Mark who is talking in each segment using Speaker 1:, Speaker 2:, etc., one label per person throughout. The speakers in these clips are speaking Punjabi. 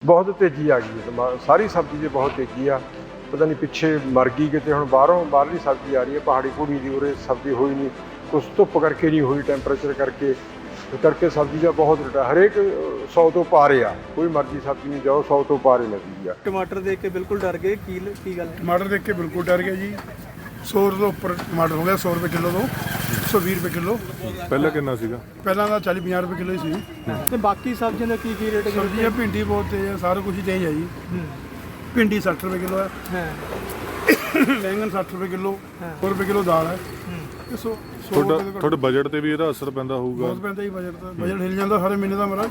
Speaker 1: बहुत तेजी आ गई है, सारी सब्जी की बहुत तेजी आ। पता नहीं पिछे मर गई कितने हुण बाहरली सब्जी आ रही है, पहाड़ी पूड़ी की उरे सब्जी हुई नहीं, कुछ धुप करके नहीं हुई, टैंपरेचर करके सब्जी का बहुत रेट है। हरेक 100 तो पारे आ, कोई मर्जी सब्जी नहीं जाओ 100 तो पारे लगी आ।
Speaker 2: टमाटर देख के बिल्कुल डर गए की गल?
Speaker 3: टमाटर देख के बिल्कुल डर गए जी। 100 ਤੋਂ ਉੱਪਰ ਟਮਾਟਰ ਹੋ ਗਿਆ, 100 ਰੁਪਏ ਕਿਲੋ ਤੋਂ 120 ਰੁਪਏ ਕਿਲੋ।
Speaker 4: ਪਹਿਲਾਂ ਕਿੰਨਾ ਸੀਗਾ?
Speaker 3: ਪਹਿਲਾਂ ਤਾਂ 40-50 ਰੁਪਏ ਕਿਲੋ ਹੀ ਸੀ।
Speaker 2: ਤੇ ਬਾਕੀ ਸਬਜ਼ੀਆਂ ਦਾ ਕੀ ਰੇਟ ਹੈ?
Speaker 3: ਸਬਜ਼ੀਆਂ ਭਿੰਡੀ ਬਹੁਤ ਤੇਜ਼ ਹੈ, ਸਾਰਾ ਕੁਝ ਹੀ ਤੇਜ਼ ਹੈ ਜੀ। ਭਿੰਡੀ 60 ਰੁਪਏ ਕਿਲੋ ਹੈ, ਬੈਂਗਣ 60 ਰੁਪਏ ਕਿਲੋ, 100 ਰੁਪਏ ਕਿਲੋ ਦਾਲ ਹੈ।
Speaker 4: ਤੁਹਾਡੇ ਬਜਟ ਤੇ ਵੀ ਇਹਦਾ ਅਸਰ ਪੈਂਦਾ ਹੋਊਗਾ?
Speaker 3: ਬਹੁਤ ਪੈਂਦਾ ਜੀ ਬਜਟ ਦਾ, ਬਜਟ ਹਿਲ ਜਾਂਦਾ ਸਾਰੇ ਮਹੀਨੇ ਦਾ ਮੇਰਾ।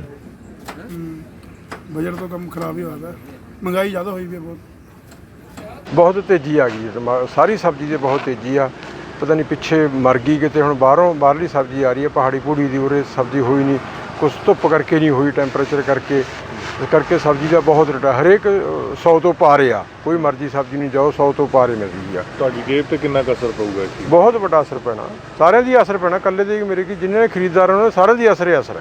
Speaker 3: ਬਜਟ ਤੋਂ ਕੰਮ ਖਰਾਬ ਹੀ ਹੋਇਆ, ਮਹਿੰਗਾਈ ਜ਼ਿਆਦਾ ਹੋਈ ਵੀ ਹੈ ਬਹੁਤ।
Speaker 1: बहुत तेजी आ गई है, सारी सब्जी की बहुत तेजी आ। पता नहीं पिछे मर गई कितने हुण बाहरली सब्जी आ रही है, पहाड़ी पूड़ी की उरे सब्जी हुई नहीं, कुछ धुप करके नहीं हुई, टैंपरेचर करके सब्जी का बहुत रेट है। हरेक 100 तो पारे आ, कोई मर्जी सब्जी नहीं जाओ 100 तो पारे मिल रही है।
Speaker 4: ਤੁਹਾਡੀ ਜੇਬ ਤੇ ਕਿੰਨਾ ਕੁ ਅਸਰ ਪਊਗਾ ਇਸ ਚੀਜ਼?
Speaker 1: बहुत बड़ा असर पैना, सारे दी असर पैना, कल्ले दे मेरे की जिन्हें खरीददार उन्होंने सारे दी असर है।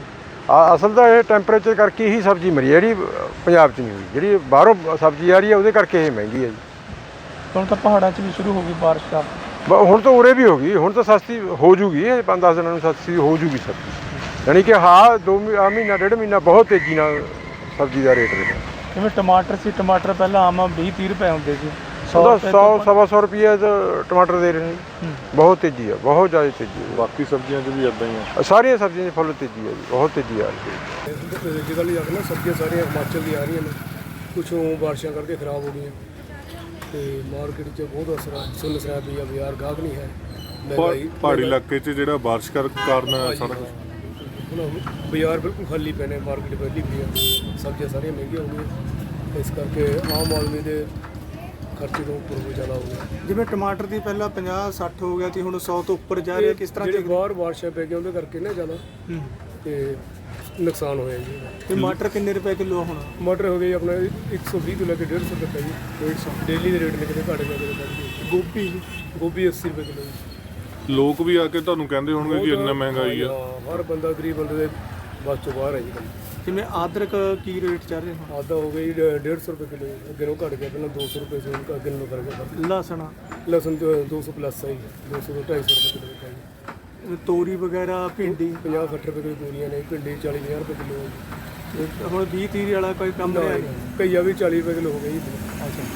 Speaker 1: असल तो यह टैंपरेचर करके ही सब्जी मरी है, जी पंजाब च नहीं हुई, जी बाहरों सब्जी आ रही है वो करके ये महंगी है जी।
Speaker 2: ਹੁਣ ਤਾਂ ਪਹਾੜਾਂ 'ਚ ਵੀ ਸ਼ੁਰੂ ਹੋ ਗਈ ਬਾਰਿਸ਼ ਦਾ।
Speaker 1: ਹੁਣ ਤਾਂ ਉਰੇ ਵੀ ਹੋ ਗਈ, ਹੁਣ ਤਾਂ ਸਸਤੀ ਹੋ ਜੂਗੀ, 5-10 ਦਿਨਾਂ ਨੂੰ ਸਸਤੀ ਹੋ ਜੂਗੀ ਸਬਜ਼ੀ। ਯਾਨੀ ਕਿ ਹਾਂ 2 ਮਹੀਨਾ 1.5 ਮਹੀਨਾ ਬਹੁਤ ਤੇਜ਼ੀ ਨਾਲ ਸਬਜ਼ੀ ਦਾ ਰੇਟ ਰਿਹਾ।
Speaker 2: ਜਿਵੇਂ ਟਮਾਟਰ ਸੀ, ਟਮਾਟਰ ਪਹਿਲਾਂ ਆਮ 20-30 ਰੁਪਏ ਹੁੰਦੇ ਸੀ,
Speaker 1: 100-125 ਰੁਪਏ ਟਮਾਟਰ ਦੇ ਰਹੇ ਨੇ। ਬਹੁਤ ਤੇਜ਼ੀ ਆ, ਬਹੁਤ ਜ਼ਿਆਦਾ ਤੇਜ਼ੀ ਹੈ।
Speaker 4: ਬਾਕੀ ਸਬਜ਼ੀਆਂ 'ਚ ਵੀ ਇਦਾਂ ਹੀ ਆ?
Speaker 1: ਸਾਰੀਆਂ ਸਬਜ਼ੀਆਂ 'ਚ ਫੁੱਲ ਤੇਜ਼ੀ ਹੈ ਜੀ, ਬਹੁਤ ਤੇਜ਼ੀ ਆ ਰਹੀ ਹੈ।
Speaker 5: ਜਿਹਦਾ ਲਈ ਆਖਣਾ ਸਬਜ਼ੀਆਂ ਸਾਰੀਆਂ ਹਿਮਾਚਲ ਦੀ ਆ ਰਹੀਆਂ ਨੇ, ਕੁਛ ਬਾਰਿਸ਼ਾਂ ਕਰਕੇ ਖਰਾਬ ਹੋ ਗਈਆਂ ਤੇ ਮਾਰਕੀਟ 'ਚ ਬਹੁਤ ਅਸਰ ਆ। ਸੁੰਨ ਸਰਾਬ ਵੀ ਆ, ਬਾਜ਼ਾਰ ਗਾਹਕ ਨਹੀਂ ਹੈ।
Speaker 4: ਪਹਾੜੀ ਇਲਾਕੇ 'ਚ ਜਿਹੜਾ ਬਾਰਿਸ਼ ਕਾਰਨ ਸਾਰਾ ਕੁਝ
Speaker 5: ਹੁਣ ਬਾਜ਼ਾਰ ਬਿਲਕੁਲ ਖਾਲੀ ਪਏ ਨੇ, ਮਾਰਕੀਟ ਪਹਿਲੀ ਪਈ ਆ, ਸਬਜ਼ੀਆਂ ਸਾਰੀਆਂ ਮਹਿੰਗੀਆਂ ਹੋ ਗਈਆਂ, ਇਸ ਕਰਕੇ ਆਮ ਆਦਮੀ ਦੇ ਖਰਚੇ ਤੋਂ ਉੱਪਰ ਹੋ ਜ਼ਿਆਦਾ ਹੋ ਗਿਆ।
Speaker 2: ਜਿਵੇਂ ਟਮਾਟਰ ਦੀ ਪਹਿਲਾਂ 50-60 ਹੋ ਗਿਆ ਸੀ, ਹੁਣ 100 ਤੋਂ ਉੱਪਰ ਜਾ ਰਿਹਾ, ਕਿਸ ਤਰ੍ਹਾਂ?
Speaker 5: ਜਿਹੜੇ ਬਾਹਰ ਬਾਰਿਸ਼ਾਂ ਪੈ ਗਈਆਂ ਉਹਦੇ ਕਰਕੇ ਨਾ ਜ਼ਿਆਦਾ ਤੇ ਨੁਕਸਾਨ ਹੋਇਆ ਜੀ।
Speaker 2: ਟਮਾਟਰ ਕਿੰਨੇ ਰੁਪਏ ਕਿਲੋ ਹੁਣ?
Speaker 5: ਟਮਾਟਰ ਹੋ ਗਏ ਆਪਣਾ 120 ਤੋਂ ਲੈ ਕੇ 150 ਤੱਕ ਹੈ ਜੀ। 150 ਡੇਲੀ ਦੇ ਰੇਟ ਨੇ, ਕਿਤੇ ਘੱਟ ਗਿਆ ਕਿਤੇ ਵੱਧ ਗਿਆ। ਗੋਭੀ 80 ਰੁਪਏ ਕਿਲੋ ਜੀ।
Speaker 4: ਲੋਕ ਵੀ ਆ ਕੇ ਤੁਹਾਨੂੰ ਕਹਿੰਦੇ ਹੋਣਗੇ ਕਿ ਇੰਨਾ ਮਹਿੰਗਾਈ ਆ?
Speaker 5: ਹਰ ਬੰਦਾ ਗਰੀਬ ਬੰਦੇ ਦੇ ਬਸ ਤੋਂ ਬਾਹਰ ਹੈ ਜੀ।
Speaker 2: ਜਿਵੇਂ ਅਦਰਕ ਕੀ ਰੇਟ ਚੱਲ ਰਿਹਾ?
Speaker 5: ਆਦਾ ਹੋ ਗਈ 150 ਰੁਪਏ ਕਿਲੋ, ਅੱਗੇ ਨੂੰ ਘੱਟ ਗਿਆ, ਪਹਿਲਾਂ 200 ਰੁਪਏ ਸੀ, ਹੁਣ ਅੱਗੇ ਨੂੰ ਕਰ ਗਿਆ।
Speaker 2: ਲਸਣ
Speaker 5: 200 ਪਲੱਸ ਹੈ ਜੀ, 200 ਤੋਂ 250 ਰੁਪਏ ਕਿਲੋ ਹੈ।
Speaker 2: ਤੋਰੀ ਵਗੈਰਾ, ਭਿੰਡੀ
Speaker 5: 50-60 ਰੁਪਏ ਕਿਲੋ ਤੋਰੀਆਂ ਨੇ, ਭਿੰਡੀ 40-50 ਰੁਪਏ ਕਿਲੋ ਹੈ।
Speaker 2: ਹੁਣ 20-30 ਵਾਲਾ ਕੋਈ ਕੰਮ ਰਿਹਾ ਨਹੀਂ?
Speaker 5: ਘਈਆ ਵੀ 40 ਰੁਪਏ ਕਿਲੋ ਹੋ ਗਈ ਜੀ।
Speaker 2: ਅੱਛਾ,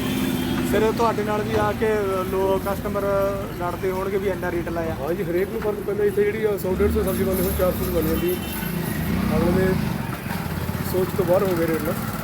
Speaker 2: ਫਿਰ ਤੁਹਾਡੇ ਨਾਲ ਵੀ ਆ ਕੇ ਲੋਕ ਕਸਟਮਰ ਲੜਦੇ ਹੋਣਗੇ ਵੀ ਇੰਨਾ ਰੇਟ ਲਾਇਆ?
Speaker 5: ਹਾਂ ਜੀ, ਹਰੇਕ ਨੂੰ ਫਰਕ ਪੈਂਦਾ। ਇੱਥੇ ਜਿਹੜੀ 100-150 ਸਬਜ਼ੀ ਬਣਦੀ ਹੁਣ 400 ਬਣ ਜਾਂਦੀ, ਅਗਲੇ ਦੇ ਸੋਚ ਤੋਂ ਬਾਹਰ ਹੋ ਗਏ ਰੇਟ ਨਾ।